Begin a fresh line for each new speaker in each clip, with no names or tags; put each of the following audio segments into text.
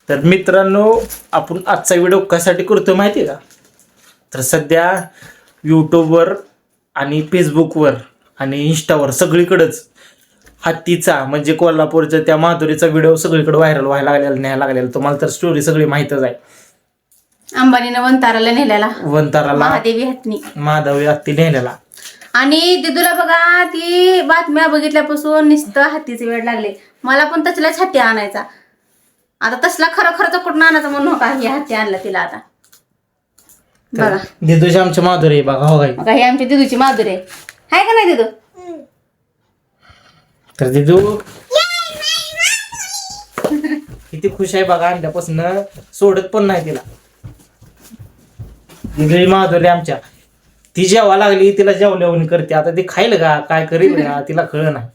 तर मित्रांनो, आपण आजचा व्हिडिओ कशासाठी करतो माहिती आहे का? तर सध्या यूट्यूबवर आणि फेसबुकवर आणि इंस्टावर सगळीकडेच हत्तीचा म्हणजे कोल्हापूरच्या त्या माधुरीचा व्हिडिओ सगळीकडे व्हायरल व्हायला लागलेला, न्यायला लागलेला. तुम्हाला तर स्टोरी सगळी माहीतच आहे.
अंबानीनं वंताराला नेलेला,
वंताराला
महादेवी हत्ती
महादेवी हत्ती नेलेला.
आणि दिदूला बघा ती बातम्या बघितल्यापासून नुसतं हत्तीचे वेळ लागले. मला पण तसलाच हत्ती आणायचा. आता तसला खरं कुठून आणायचा म्हणून का ही हत्ती आणला तिला आता. बघा
दिदूची आमची माधुरी बघा. हो
बघा ही आमची दिदूची माधुरी आहे का नाही दिदू?
तर दिदू किती खुश आहे बघा, आणल्यापासून सोडत पण नाही तिला. दिदू माधुरी आमच्या, ती जेवा लागली तिला जेवल्यावणी करते. आता ती खाईल का काय करील का तिला कळ नाही.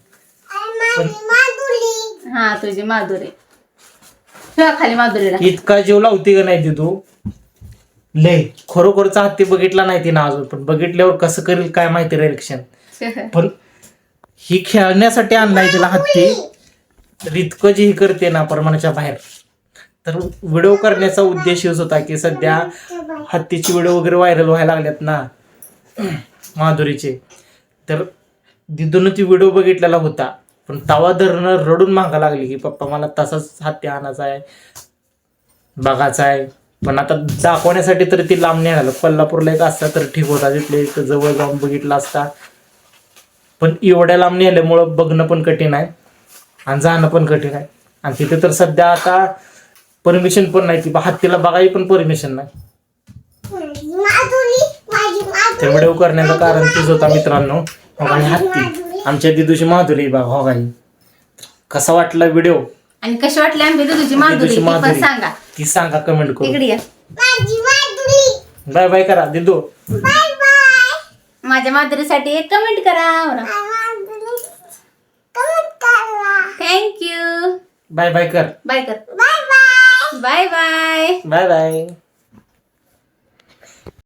हा तुझी माधुरी खाली माधुरीला
इतका जीव लावते का नाही दिदू लय. खरोखरचा हत्ती बघितला नाही तिनं अजून, पण बघितल्यावर कसं करेल काय माहिती रिएक्शन. पण ही खेळण्यासाठी आणलाय तिला हत्ती. तर इतकं जे ही करते ना प्रमाणाच्या बाहेर. तर व्हिडिओ करण्याचा उद्देश हेच होता की सध्या हत्तीची व्हिडिओ वगैरे व्हायरल व्हायला लागल्यात ना माधुरीचे. तर दिदून ती व्हिडिओ बघितलेला होता, पण तवा धरणं रडून मागा लागली की पप्पा मला तसाच हत्ती आणायचा आहे, बघायचा आहे. पण आता दाखवण्यासाठी तर ती लांब नाही आलं. कोल्हापूरला एक असता तर ठीक होता, तिथले एक जवळ जाऊन बघितला असता. पण एवढ्या लांब नेल्यामुळं बघणं पण कठीण आहे आणि जाणं पण कठीण आहे. आणि तिथे तर सध्या आता परमिशन पण नाही, ती हत्तीला बघायची पण परमिशन नाही. ते व्हिडिओ करण्याचं कारण तीच होता मित्रांनो. आणि हत्ती आमच्या दिदूची माधुरी बघा. हो गाई कसा वाटला व्हिडिओ
आणि कशी वाटली आमची दिदूची माधुरी ती पण सांगा.
ती सांगा कमेंट करून.
इकडे या.
बाय बाय करा दिदू.
माझ्या माधुरीसाठी एक कमेंट करा. थँक्यू.
बाय बाय कर.
बाय कर. Bye bye.
Bye bye.